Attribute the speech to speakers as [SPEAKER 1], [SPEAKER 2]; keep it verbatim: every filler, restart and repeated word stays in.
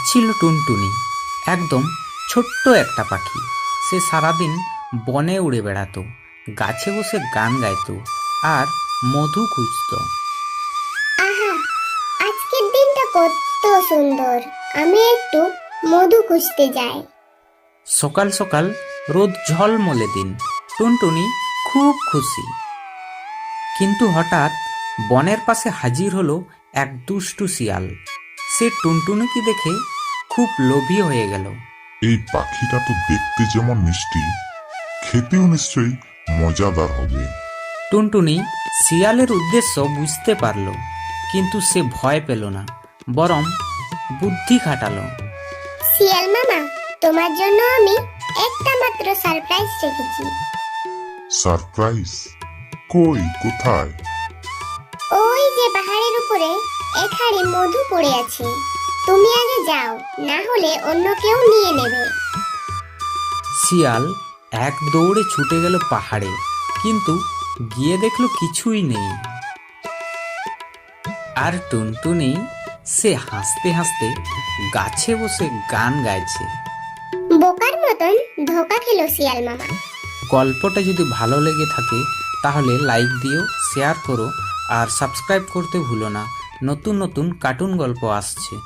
[SPEAKER 1] ছিল টুনটুনি, একদম ছোট্ট একটা পাখি। সে সারাদিন বনে উড়ে বেড়াতো, গাছে বসে গান গাইতো আর মধু খুঁজত।
[SPEAKER 2] আহা, আজকের দিনটা কত সুন্দর। আমি একটু মধু খুঁজতে যাই।
[SPEAKER 1] সকাল সকাল রোদ ঝলমলে দিন, টুনটুনি খুব খুশি। কিন্তু হঠাৎ বনের পাশে হাজির হলো এক দুষ্টু শিয়াল। সে টুনটুনিকে দেখে খুব লোভী হয়ে গেল।
[SPEAKER 3] এই পাখিটা তো দেখতে যেমন মিষ্টি, খেতেও নিশ্চয়ই মজাদার হবে।
[SPEAKER 1] টুনটুনি শিয়ালের উদ্দেশ্য বুঝতে পারল, কিন্তু সে ভয় পেল না, বরং বুদ্ধি খাটালো।
[SPEAKER 2] শিয়াল মামা, তোমার জন্য আমি একটা মাত্র সারপ্রাইজ রেখেছি।
[SPEAKER 3] সারপ্রাইজ? কই, কোথায়?
[SPEAKER 2] ওই যে পাহাড়ের উপরে এক হাঁড়ি মধু পড়ে আছে। তুমি আগে যাও, না হলে অন্য কেউ নিয়ে নেবে।
[SPEAKER 1] শিয়াল এক দৌড়ে ছুটে গেল পাহাড়ে, কিন্তু গিয়ে দেখলো কিছুই নেই। আর টুনটুনি সে হাসতে হাসতে গাছে বসে গান গাইছে।
[SPEAKER 2] বোকার মতন ধোকা খেলো শিয়াল মামা।
[SPEAKER 1] গল্পটা যদি ভালো লেগে থাকে তাহলে লাইক দিও, শেয়ার করো আর সাবস্ক্রাইব করতে ভুলো না। নতুন নতুন কার্টুন গল্প আসছে।